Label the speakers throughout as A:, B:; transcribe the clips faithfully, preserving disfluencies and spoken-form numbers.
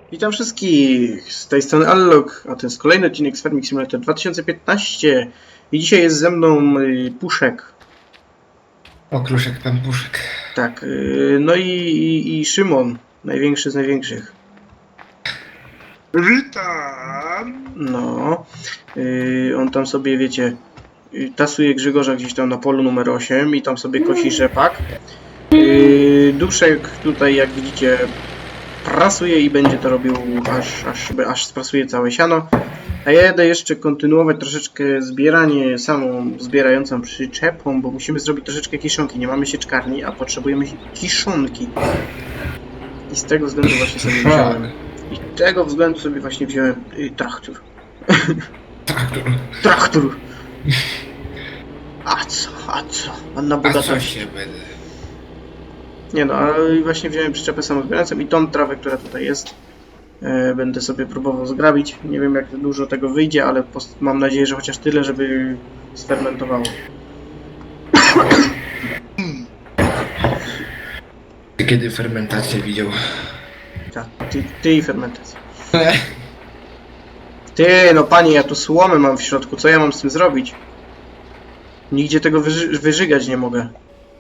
A: Witam wszystkich, z tej strony Allog, a to jest kolejny odcinek z Farming Simulator dwa tysiące piętnaście i dzisiaj jest ze mną y, Puszek.
B: Okruszek, pan Puszek.
A: Tak, y, no i, i, i Szymon, największy z największych.
C: Witam!
A: No, y, on tam sobie, wiecie, y, tasuje Grzegorza gdzieś tam na polu numer osiem i tam sobie kosi rzepak. Y, Duszek tutaj, jak widzicie, prasuje i będzie to robił aż, aż, aż sprasuje całe siano. A ja jadę jeszcze kontynuować troszeczkę zbieranie samą zbierającą przyczepą, bo musimy zrobić troszeczkę kiszonki. Nie mamy sieczkarni, a potrzebujemy kiszonki. I z tego względu właśnie sobie wziąłem. I z tego względu sobie właśnie wziąłem y, traktor.
B: Traktor.
A: Traktor! A co, a co? A na
B: A
A: bogato.
B: co się będę?
A: Nie no, ale właśnie wziąłem przyczepę samozbierającą i tą trawę, która tutaj jest, e, będę sobie próbował zgrabić. Nie wiem, jak dużo tego wyjdzie, ale mam nadzieję, że chociaż tyle, żeby sfermentowało.
B: Ty kiedy fermentację widział?
A: Tak, ty, ty i fermentacja. Ty, no panie, ja tu słomę mam w środku, co ja mam z tym zrobić? Nigdzie tego wyży wyżygać nie mogę.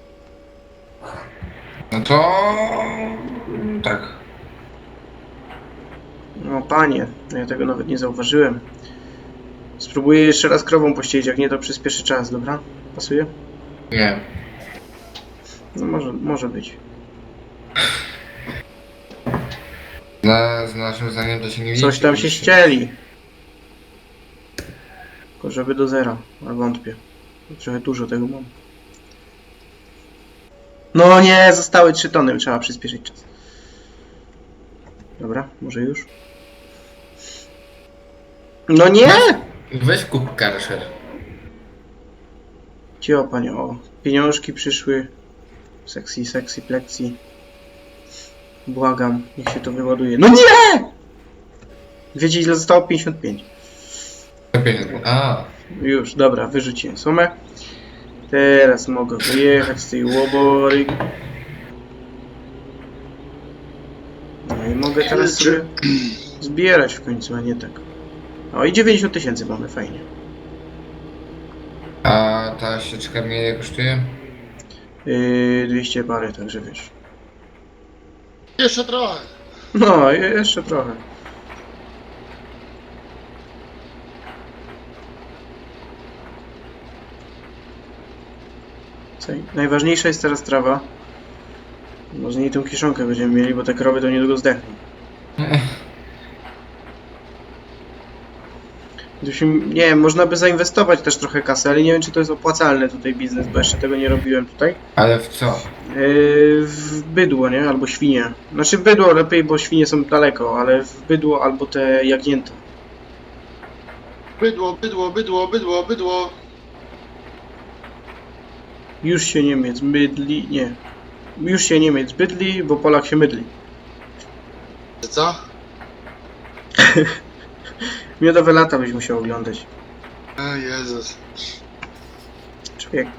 B: No to... tak.
A: No panie, ja tego nawet nie zauważyłem. Spróbuję jeszcze raz krową pościelić, jak nie to przyspieszy czas, dobra? Pasuje?
B: Nie.
A: No może, może być.
B: Na, z naszym zdaniem to się nie widzi.
A: Coś tam się ścieli. Tylko żeby do zera, ale wątpię. Trochę dużo tego mam. No nie, zostały trzy tony, trzeba przyspieszyć czas. Dobra, może już? No nie!
B: Weź kup karszer.
A: Cio, panie, o. Pieniążki przyszły. Sexy, sexy, plexi. Błagam, niech się to wyładuje. No nie! Wiecie, ile zostało? pięćdziesiąt pięć.
B: A.
A: Już, dobra, wyrzuciłem sumę. Teraz mogę wyjechać z tej łobory. No i mogę teraz sobie zbierać w końcu, a nie tak. O, i dziewięćdziesiąt tysięcy mamy, fajnie.
B: A ta sieczka mnie kosztuje?
A: Yy, dwieście parę, także wiesz.
C: Jeszcze trochę.
A: No, je- jeszcze trochę. Co? Najważniejsza jest teraz trawa. No z niej tą kiszonkę będziemy mieli, bo te krowy to niedługo zdechną. Gdybyśmy, nie wiem, można by zainwestować też trochę kasy, ale nie wiem, czy to jest opłacalny tutaj biznes, bo jeszcze tego nie robiłem tutaj.
B: Ale w co?
A: Yy, w bydło, nie? Albo świnie. Znaczy w bydło lepiej, bo świnie są daleko, ale w bydło albo te jagnięta.
C: Bydło, bydło, bydło, bydło, bydło.
A: Już się Niemiec mydli, nie. Już się Niemiec bydli, bo Polak się mydli.
C: Co?
A: Miodowe lata byś musiał oglądać.
C: O Jezus.
A: Człowieku.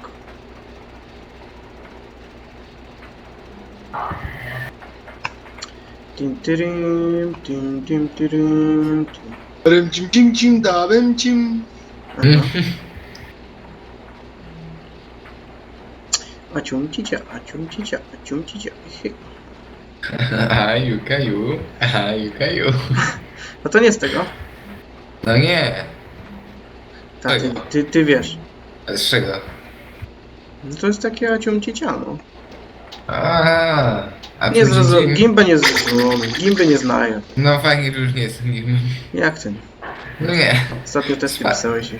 A: Tim, tyrym, tim, tim, tyrym, tim.
C: Rym cim cim cim da rym cim.
A: Aha. A cium cicia, a cium cicia, a cium cicia.
B: A Jukaju. A Jukaju.
A: No to nie z tego.
B: No nie.
A: Tak, ty, ty, ty wiesz.
B: A z czego?
A: No to jest takie a cium cicia, no.
B: A, a
A: Nie
B: tu
A: zrozum,
B: dzień-
A: gimby nie zrozum, gimby nie znają.
B: No fajnie, że już nie jestem nim.
A: Jak ten?
B: No nie.
A: Ostatnio testy
B: Spa-
A: pisałeś.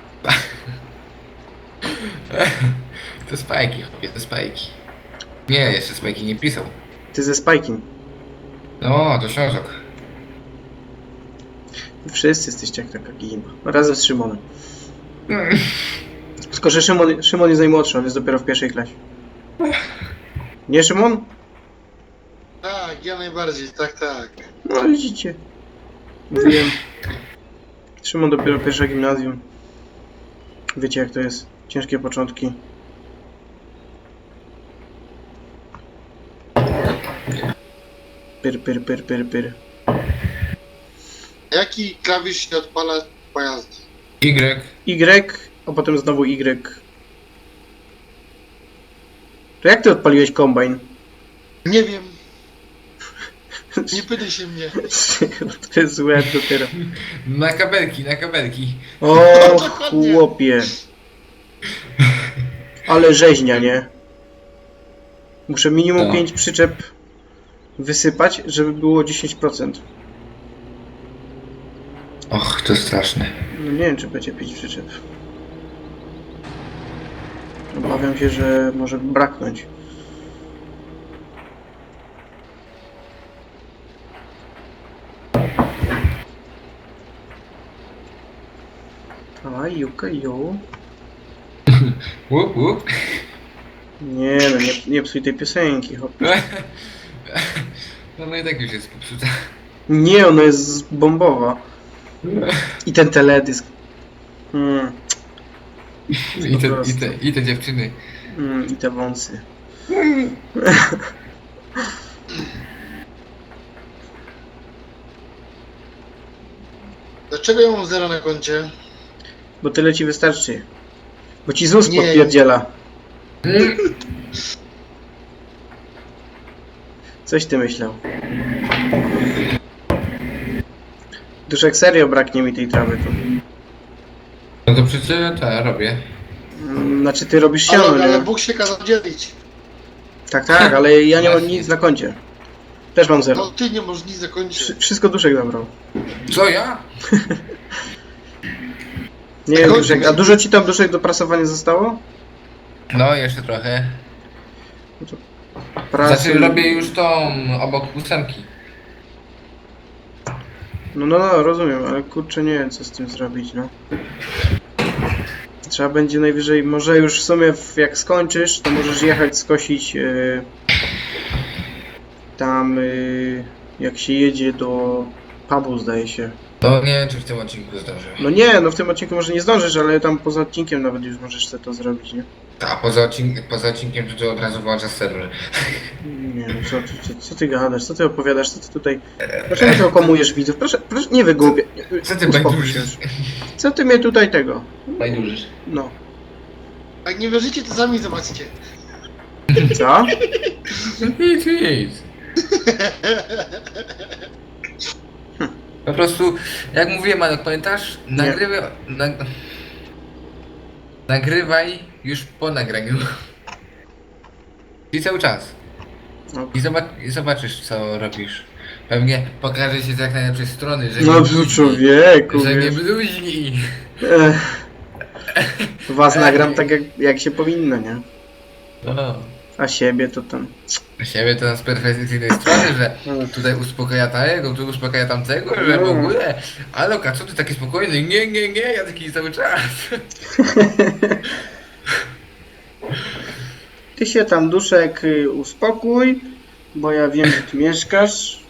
B: To spajki, chłopie, to spajki. Nie, jeszcze spajki nie pisał.
A: Ty ze Spajkiem.
B: No, to książek.
A: Wszyscy jesteście jak taka gimba. Razem z Szymonem. Tylko, że Szymon, Szymon jest najmłodszy, on jest dopiero w pierwszej klasie. Nie, Szymon?
C: Tak, ja najbardziej, tak, tak.
A: No widzicie. Mówiłem. Szymon dopiero pierwsze gimnazjum. Wiecie jak to jest. Ciężkie początki. Pyr, pyr, pyr, pyr, pyr.
C: Jaki klawisz się odpala pojazdu?
B: Y.
A: Y, a potem znowu Y. To jak ty odpaliłeś kombajn?
C: Nie wiem. Nie pytaj się mnie.
A: To jest złe dopiero.
B: Na kabelki, na kabelki.
A: O, chłopie. Ale rzeźnia, nie? Muszę minimum
B: No.
A: pięć przyczep wysypać, żeby było dziesięć procent.
B: Och, to straszne.
A: No nie wiem, czy będzie pięć przyczep. Obawiam się, że może braknąć. A, juka, ju.
B: Łup, łup.
A: Nie no, nie, nie psuj tej piosenki, hop.
B: No, no i tak już jest popsuta.
A: Nie, ona jest bombowa. I ten teledysk. Mm,
B: I te, i, te, I te dziewczyny.
A: mm, I te wąsy.
C: Dlaczego ja mam zero na koncie?
A: Bo tyle ci wystarczy. Bo ci Z U S
C: Nie.
A: podpierdziela. Coś ty myślał. Duszek, serio braknie mi tej trawy tu.
B: No to przecież to ja robię.
A: Mm, Znaczy ty robisz
C: Ale,
A: siano,
C: ale
A: nie?
C: Bóg się kazał dzielić.
A: Tak, tak, ale ja nie mam
B: Właśnie.
A: nic na koncie. Też mam
C: No
A: zero.
C: ty nie możesz nic zakończyć.
A: Wszy- Wszystko Duszek zabrał.
B: Co ja?
A: Nie wiem,
C: Kończy
A: Duszek,
C: mi-
A: a dużo ci tam Duszek do prasowania zostało?
B: No, jeszcze trochę.
A: Prasy...
B: Znaczy robię już tą obok ósemki.
A: No, no, no, rozumiem, ale kurczę nie wiem co z tym zrobić, no. Trzeba będzie najwyżej, może już w sumie w- jak skończysz, to możesz jechać skosić yy, tam yy, jak się jedzie do pubu, zdaje się.
B: To nie wiem, czy w tym odcinku zdążę.
A: No nie, no w tym odcinku może nie zdążysz, ale tam poza odcinkiem nawet już możesz sobie to zrobić, nie?
B: A poza, odcink poza odcinkiem to ty od razu włączasz serwer.
A: Nie no, co, ty- co, co ty gadasz, co ty opowiadasz, co ty tutaj... Dlaczego ty okłamujesz widzów? Proszę, proszę, nie wygłupiaj.
B: Co ty
A: Uspokój się
B: bajdurzysz?
A: już. Co ty mnie tutaj tego?
B: Bajdurzysz.
A: No.
C: Jak nie wierzycie, to sami zobaczcie.
A: Co?
B: Nic, nic. Po prostu, jak mówiłem, Malek, pamiętasz? Nagrywaj... Nag... Nagrywaj już po nagraniu. I cały czas.
A: No,
B: I, zobacz, I zobaczysz, co robisz. Pewnie pokaże się z jak najlepszej strony, że
A: no
B: nie
A: tu
B: bluźni,
A: człowieku,
B: że nie
A: wiesz.
B: bluźni.
A: Ech. Was nagram tak jak, jak się powinno, nie?
B: No.
A: A siebie to tam...
B: Siebie to z perfekcyjnej strony, że tutaj uspokaja tego, tu uspokaja tamtego, że w ogóle. Ale Loka, co ty taki spokojny? Nie, nie, nie, ja taki cały czas.
A: Ty się tam, Duszek, y, uspokój, bo ja wiem, że ty mieszkasz.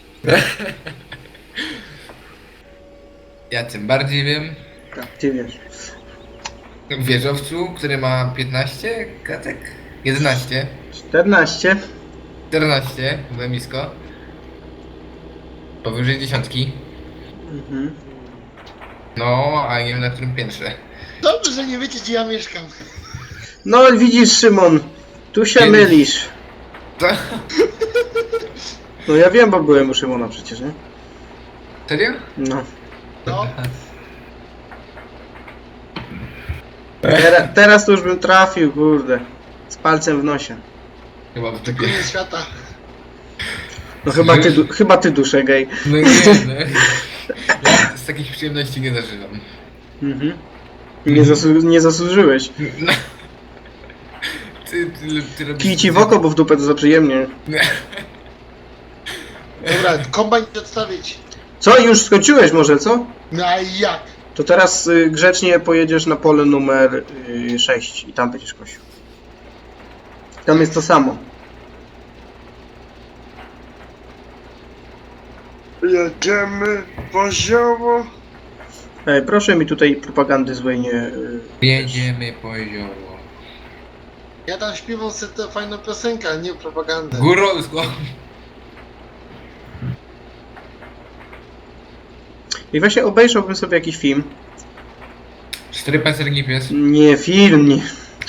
B: Ja tym bardziej wiem.
A: Tak, ty wiesz.
B: W wieżowcu, który ma piętnaście kratek? jedenaście.
A: czternaście.
B: czternaście, zamisko. Powyżej dziesiątki.
A: Mhm.
B: No, a nie wiem na którym piętrze.
C: Dobrze, że nie wiecie, gdzie ja mieszkam.
A: No widzisz, Szymon, tu się
B: Kiedyś.
A: mylisz.
B: Co?
A: No ja wiem, bo byłem u Szymona przecież, nie?
B: Serio?
A: No.
C: No,
A: Tera, teraz to już bym trafił, kurde. Z palcem w nosie.
B: Chyba w dupie.
C: koniec świata.
A: No chyba ty, du- chyba ty Duszek, ej.
B: No nie, no. Ja z takich przyjemności nie zażywam.
A: Mhm. Nie, zasu- nie zasłużyłeś.
B: No. Ty, ty, ty robisz...
A: Kij ci w oko, bo w dupę to za przyjemnie.
C: Dobra, kombajn odstawić.
A: Co, już skończyłeś może, co?
C: No a jak?
A: To teraz y, grzecznie pojedziesz na pole numer y, sześć i tam będziesz kosił. Tam jest to samo.
C: Jedziemy poziomo.
A: Ej, proszę mi tutaj propagandy złej nie... Y,
B: Jedziemy poziomo.
C: Ja tam śpiewam sobie tę fajną piosenkę, a nie propagandę.
B: Górolsko.
A: I właśnie obejrzałbym sobie jakiś film.
B: Cztery pancerni pies.
A: Nie, film, nie.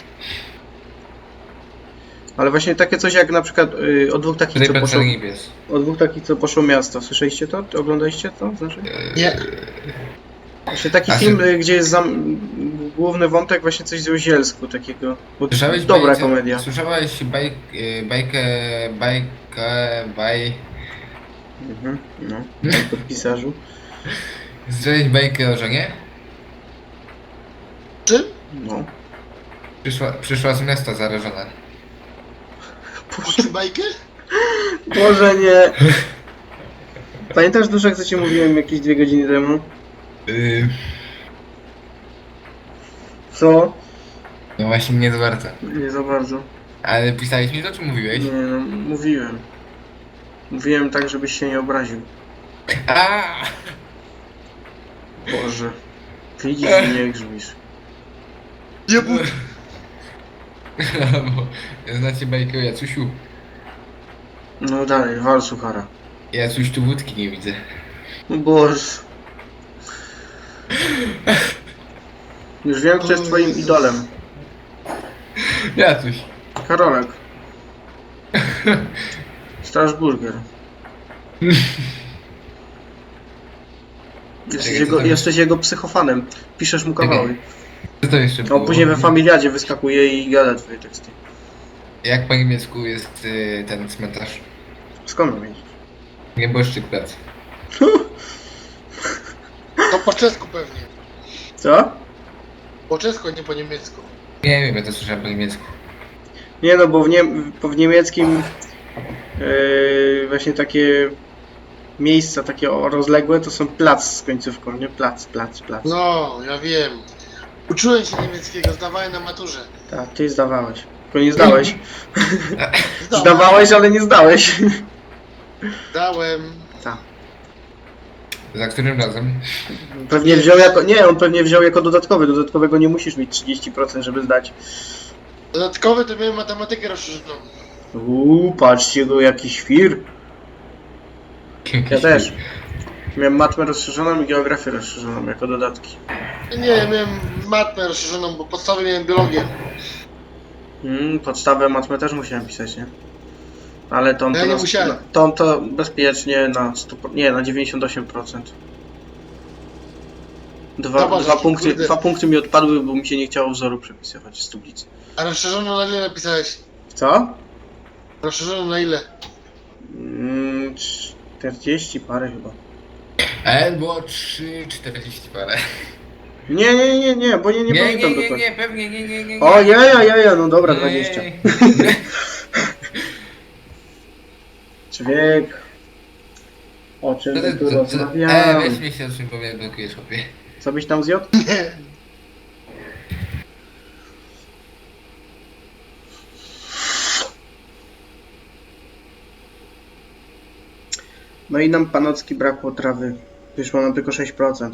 A: Ale właśnie takie coś jak na przykład y, o dwóch takich,
B: Cztery
A: co poszło,
B: pancerni pies.
A: o dwóch takich, co poszło miasto. Słyszeliście to? Oglądaliście to? Znaczy?
C: Nie.
A: Właśnie taki
B: A
A: film,
B: czy-
A: y, gdzie jest zam... główny wątek właśnie coś z Ozielsku takiego. Bo
B: Słyszałeś
A: dobra
B: bajce-
A: komedia.
B: Słyszałeś bajk, y, bajkę, bajkę, baj...
A: Mhm, no, pod pisarzu.
B: Słyszałeś bajkę o żonie?
C: Czym?
A: No.
B: Przyszła, przyszła z miasta zarażona.
C: Puszczy bajkę?
A: Boże nie. Pamiętasz Duszek, co ci mówiłem jakieś dwie godziny temu?
B: Yy,
A: Co?
B: no właśnie nie za bardzo.
A: Nie za bardzo.
B: Ale pisałeś mi to, czy mówiłeś?
A: Nie no, mówiłem. Mówiłem tak, żebyś się nie obraził.
B: A!
A: Boże. Widzisz i nie grzmisz.
C: Nie bój.
B: Bo znacie bajkę o Jacusiu?
A: No dalej, wal suchara.
B: Jacuś tu wódki nie widzę.
A: O Boże. Już wiem, kto jest twoim idolem.
B: Jacuś.
A: Karolek. Strasburger. Jesteś
B: Czekaj, co
A: jego,
B: tam jest?
A: jesteś jego psychofanem. Piszesz mu kawały.
B: Co to jeszcze
A: A
B: było?
A: on później we familiadzie wyskakuje i gada twoje teksty.
B: Jak po niemiecku jest y, ten cmentarz?
A: Skąd mam wiedzieć?
B: Nieboszczyk plac.
C: To po czesku pewnie.
A: Co?
C: Po czesku, a nie po niemiecku.
B: Nie wiem, ja to słyszałem po niemiecku.
A: Nie no, bo w, nie, bo w niemieckim yy, właśnie takie miejsca takie o- rozległe to są plac z końcówką, nie? Plac, plac, plac.
C: No, ja wiem. Uczyłem się niemieckiego, zdawałem na maturze.
A: Tak, ty zdawałeś. Tylko nie zdałeś.
C: Zdałem.
A: Zdawałeś, ale nie zdałeś.
C: Dałem.
A: Tak.
B: Za którym razem?
A: Pewnie wziął jako. Nie, on pewnie wziął jako dodatkowy. Dodatkowego nie musisz mieć trzydzieści procent, żeby zdać.
C: Dodatkowy to miałem matematykę rozszerzoną.
A: Uuu, patrzcie go, jaki świr. Ja też. Miałem matmę rozszerzoną i geografię rozszerzoną jako dodatki.
C: Nie, ja miałem matmę rozszerzoną, bo podstawy miałem biologię.
A: Mm, podstawę matmę też musiałem pisać, nie? Ale tą
C: Ja
A: to,
C: nie
A: na,
C: musiałem.
A: na, tą to bezpiecznie na sto, nie, na dziewięćdziesiąt osiem procent. Dwa,
C: Zobacz,
A: dwa,
C: jaki
A: punkty,
C: kurde.
A: dwa punkty mi odpadły, bo mi się nie chciało wzoru przepisywać z tablicy.
C: A rozszerzoną na ile napisałeś?
A: Co?
C: Rozszerzoną na ile?
A: Mm, czterdzieści parę chyba.
B: E, było trzy czterdzieści parę.
A: Nie, nie, nie, nie, bo nie, nie,
B: Nie,
A: pamiętam
B: nie, nie,
A: dokładnie.
B: nie, pewnie nie, nie, nie, nie.
A: O, ja, ja, ja, ja, no dobra, dwadzieścia.
B: Ej.
A: Człowiek. O czym
B: Co
A: my
B: ty-
A: tu
B: co- co- E,
A: rozmawiamy?
B: weź mnie się o czym powiem, blokujesz chłopie.
A: Co byś tam zjadł?
C: Nie.
A: No i nam panocki brakło trawy. Wyszło nam tylko sześć procent.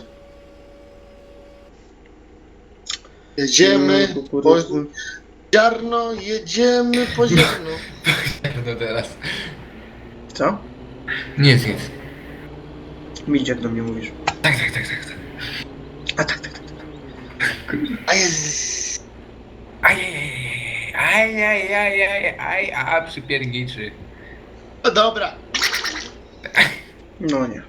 C: Jedziemy
A: Mm,
C: po
A: kukurydzy.
C: ziarno, jedziemy po ziarno.
B: No teraz.
A: Co?
B: Nic, nic.
A: Milcz jak do mnie mówisz.
B: Tak, tak, tak, tak. tak.
A: A tak, tak, tak. tak.
C: A jest.
B: Ajajajaj, ajajajaj, aj, a przypierniczy.
C: No dobra.
A: No nie.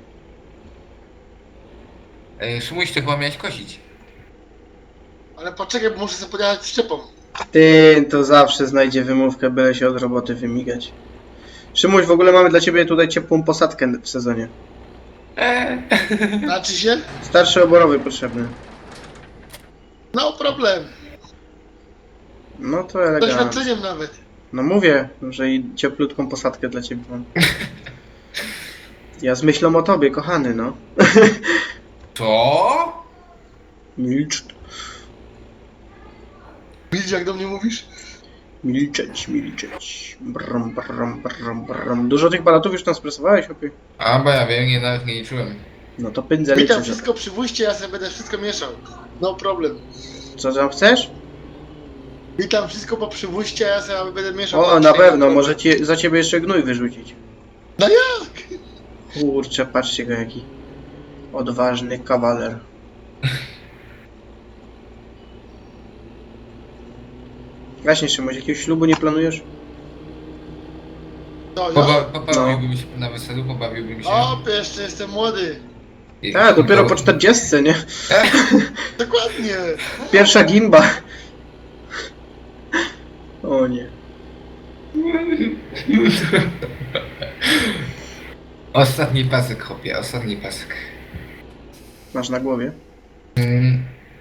B: E, Szymuś, ty chyba miałeś kosić.
C: Ale poczekaj, bo muszę sobie podjechać szczepą.
A: Ty to zawsze znajdzie wymówkę, byle się od roboty wymigać. Szymuś, w ogóle mamy dla ciebie tutaj ciepłą posadkę w sezonie.
B: E,
C: Znaczy się?
A: Starszy oborowy potrzebny.
C: No problem.
A: No to
C: Z
A: elegancko.
C: doświadczeniem nawet.
A: No mówię, że i cieplutką posadkę dla ciebie mam. Ja z myślą o tobie, kochany, no.
B: Co?
A: Milcz.
C: Widzisz jak do mnie mówisz?
A: Milczeć, milczeć. Brum, brum, brum, brum. Dużo tych balatów już tam spresowałeś, opie?
B: A, bo ja wiem, nie, nawet nie liczyłem.
A: No to pędzę
C: Witam
A: liczy.
C: wszystko przy wójcie, ja sobie będę wszystko mieszał. No problem.
A: Co tam chcesz?
C: Witam wszystko po przywóźcie, a ja sobie będę mieszał.
A: O,
C: Patrzcie,
A: na pewno,
C: problem.
A: może ci, za ciebie jeszcze gnój wyrzucić.
C: No jak?
A: Kurczę, patrzcie go jaki. Odważny kawaler. Właśnie, Szymoś, jakiegoś ślubu nie planujesz?
C: No,
B: Poba
C: ja?
B: pobawiłbym się na weselu, pobawiłbym się.
C: O, jeszcze jestem młody.
B: I-
A: Tak, dopiero po czterdziestce, nie?
C: Dokładnie.
A: Pierwsza gimba. O nie.
B: Ostatni pasek, chłopie, ostatni pasek.
A: Masz na głowie?
B: Mm.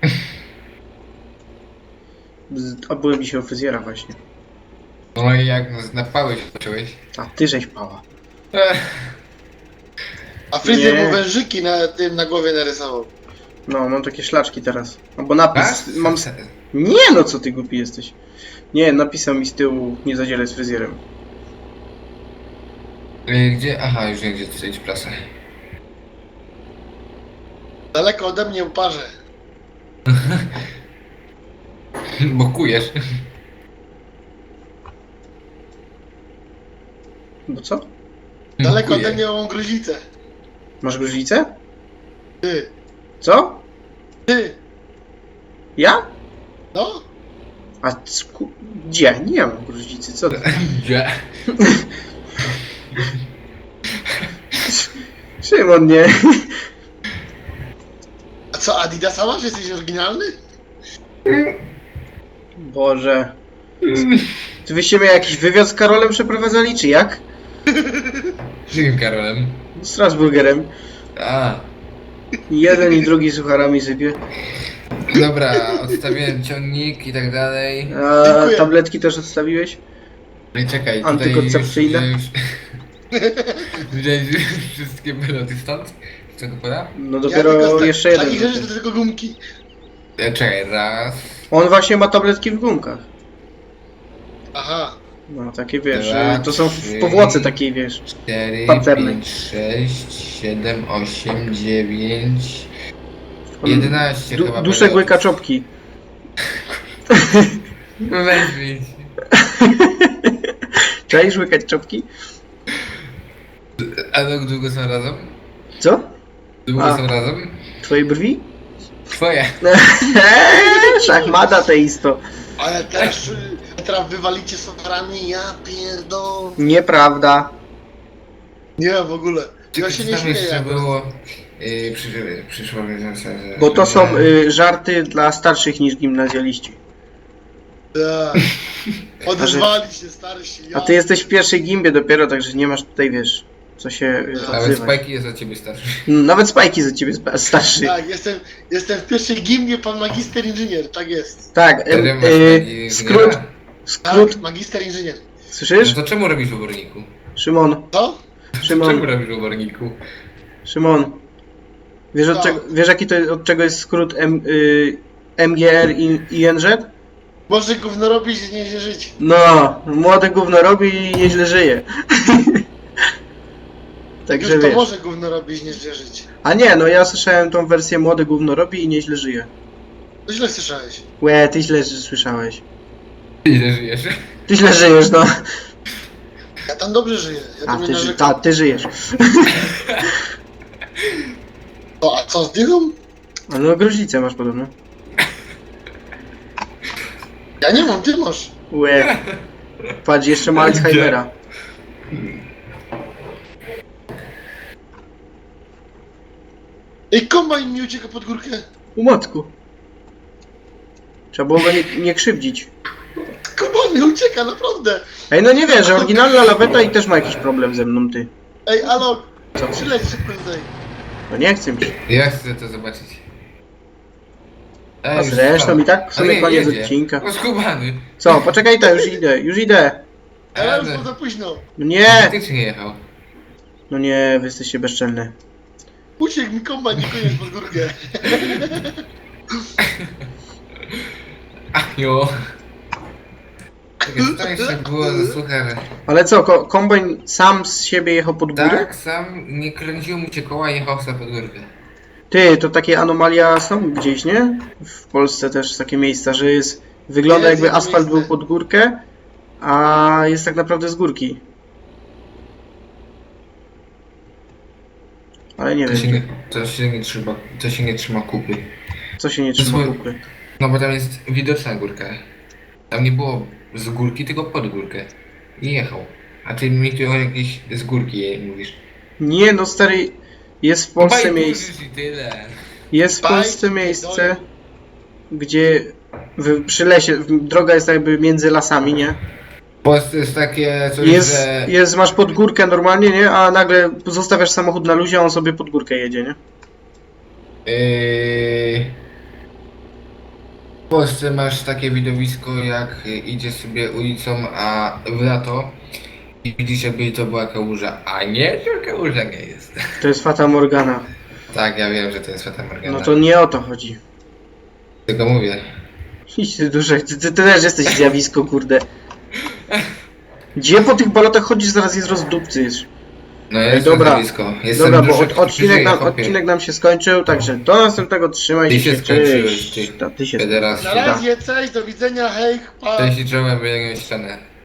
A: Z- Obyłem mi się o fryzjera właśnie.
B: No i jak nas na pałę się zacząłeś?
A: A ty żeś pała.
B: Ech,
C: A fryzjer
A: Nie.
C: mu wężyki na tym na głowie narysował.
A: No, mam takie szlaczki teraz. Albo napis.
B: tak?
A: Mam... s- Nie no, co ty głupi jesteś. Nie, napisał mi z tyłu, nie zadzieraj z fryzjerem.
B: Y, Gdzie? Aha, już wiem, gdzie tutaj prasa.
C: Daleko ode mnie uparze.
B: Bokujesz.
A: Bo co?
C: Daleko
B: Bokuję.
C: ode mnie mam gruźlicę.
A: Masz gruźlicę?
C: Ty,
A: Co?
C: ty,
A: Ja?
C: no?
A: A sku... gdzie? Nie mam gruźlicy, co ty?
B: Gdzie?
A: Szymon, nie.
C: A co, Adidasa masz? Jesteś oryginalny?
A: Boże. Czy wyście mnie jakiś wywiad z Karolem przeprowadzali, czy jak?
B: Z jakim Karolem?
A: Strasburgerem.
B: A,
A: Jeden i drugi sucharami sypie.
B: dobra, odstawiłem ciągnik i tak dalej.
A: A
C: Dziękuję.
A: tabletki też odstawiłeś?
B: No i czekaj, tutaj
A: Antykoncepcyjne?
B: już... Widziałeś wszystkie meloty stąd? Czego poda?
A: No
C: Ja
A: dopiero
C: tylko z tak-
A: jeszcze jeden.
C: takich rzeczy to tylko gumki.
B: E, Czekaj, raz,
A: On właśnie ma tabletki w gumkach.
C: Aha.
A: No takie wiesz,
B: Dwa,
A: to są w
B: trzy.
A: powłoce takiej wiesz.
B: cztery,
A: Pancernej.
B: pięć, sześć, siedem, osiem, dziewięć,
A: On
B: jedenaście
A: du
B: chyba.
A: duszek
B: melotów.
A: łyka czopki.
B: No weź wyjdź.
A: Czaisz łykać czopki?
B: A jak długo są razem?
A: Co?
B: Długo
A: A.
B: są razem?
A: Twoje brwi?
B: Twoje.
A: Szachmata teisto.
C: Ale też, y, teraz wywalicie sofarami, ja pierdol.
A: Nieprawda.
C: Nie, w ogóle. Ja
B: Czy
C: się
B: co
C: nie
B: tam
C: śmieję.
B: jeszcze było? Yy, przy, przyszło mi na że...
A: Bo to
B: że-
A: są y, żarty dla starszych niż gimnazjaliści.
C: Tak. Odezwali się starsi. Ja.
A: A ty jesteś w pierwszej gimbie dopiero, także nie masz tutaj, wiesz, co się y,
B: Nawet
A: odzywać.
B: Spajki jest od ciebie starszy.
A: Nawet Spajki za ciebie spa- starszy.
C: Tak, jestem, jestem w pierwszej gimnie, pan magister inżynier, tak jest.
A: Tak,
B: Wtedy
A: em,
B: masz
A: y,
B: taki
A: skrót,
B: inżyniera.
A: skrót,
C: Tak, magister inżynier.
A: słyszysz?
B: No to czemu robisz w oborniku?
A: Szymon,
C: Co?
B: Czemu
A: Szymon,
B: robisz w oborniku?
A: Szymon. Wiesz, od
C: Co?
A: czego, wiesz jaki to, od czego jest skrót M, y, M G R i I N Z?
C: Może gówno robić i nie się żyć.
A: No, młody gówno robi i nieźle żyje. Także
C: Już to
A: wiesz.
C: może gówno robić, nie się żyć.
A: A nie, no ja słyszałem tą wersję młody gówno robi i nieźle żyje.
C: To źle słyszałeś.
A: Łe, ty źle słyszałeś.
B: Ile żyjesz?
A: Ty źle żyjesz, no.
C: Ja tam dobrze żyję. Ja
A: A
C: tam nie
A: ty, ży-
C: narzekam.
A: ta, ty żyjesz.
C: O, a co z dychą?
A: A no gruźlicę masz podobno.
C: Ja nie mam, ty masz.
A: Łe. Patrz, jeszcze ma Alzheimera.
C: Ej, kombajn mi ucieka pod górkę.
A: U matku. Trzeba było go nie, nie krzywdzić.
C: Kombajn mi ucieka, naprawdę.
A: Ej, no nie wierzę, oryginalna laweta i też ma jakiś problem ze mną, ty.
C: Ej, Alok,
A: Co?
C: przyleć szybko tutaj.
A: No nie chcę ci.
B: Ja chcę to zobaczyć. Ej,
A: A
B: już
A: zresztą
B: spadł.
A: i tak w
B: Ale
A: sumie
B: nie,
A: koniec
B: jedzie.
A: odcinka.
B: No skubany.
A: Co, poczekaj, to już idę, już idę.
C: Ale już
B: Ale-
C: było za późno.
A: No nie!
B: Faktycznie jechał.
A: No nie, wy jesteście bezczelne.
C: Uciekł mi kombajn i koniec pod górkę.
B: Ach jo. Czekaj, co tam jeszcze było za słuchaj.
A: Ale co, ko kombajn sam z siebie jechał pod górę?
B: Tak, sam nie kręciło mu cię koła i jechał sobie pod górkę.
A: Ty, to takie anomalia są gdzieś, nie? W Polsce też takie miejsca, że jest... Wygląda
C: Jest
A: jakby
C: jedno
A: asfalt
C: miejsce.
A: był pod górkę, a jest tak naprawdę z górki. Ale nie
B: To się
A: wiem,
B: nie, to się nie trzyma, to się nie trzyma kupy.
A: co się nie
B: to
A: trzyma
B: są-
A: kupy.
B: No bo tam jest widoczna górka. Tam nie było z górki, tylko pod górkę. I jechał. A ty mi tu o jakiejś z górki jej mówisz.
A: Nie no stary, jest w Polsce
B: Obaj
A: miejsce,
B: burzysz i tyle.
A: jest w
C: Bajki,
A: Polsce miejsce,
C: pierdolę.
A: gdzie w, przy lesie, w- droga jest jakby między lasami, nie?
B: W Polsce jest takie coś,
A: Jest,
B: że...
A: jest, masz pod górkę normalnie, nie? A nagle zostawiasz samochód na luzie, a on sobie pod górkę jedzie, nie?
B: Yy... W Polsce masz takie widowisko, jak idziesz sobie ulicą, a w lato i widzisz, jakby to była kałuża. A nie, to kałuża nie jest.
A: To jest Fata Morgana.
B: Tak, ja wiem, że to jest Fata Morgana.
A: No to nie o to chodzi.
B: Tylko mówię.
A: Idź ty duszek, ty, ty, ty też jesteś zjawisko, kurde. Gdzie po tych balotach chodzisz, zaraz jest rozdupcysz.
B: No ja
A: Ej,
B: jestem
A: dobra.
B: blisko. Jestem
A: Dobra, bo
B: duszek,
A: od, odcinek,
B: żyję,
A: nam,
B: chłopie.
A: odcinek nam się skończył, także do następnego trzymaj
B: Ty
A: się,
B: się skończyłeś,
A: cześć.
B: ty.
A: Ta, ty się
B: Federacja.
C: Na razie, cześć, do widzenia, hej, pa!
B: Cześć i czołem, wyjęłem ścianę.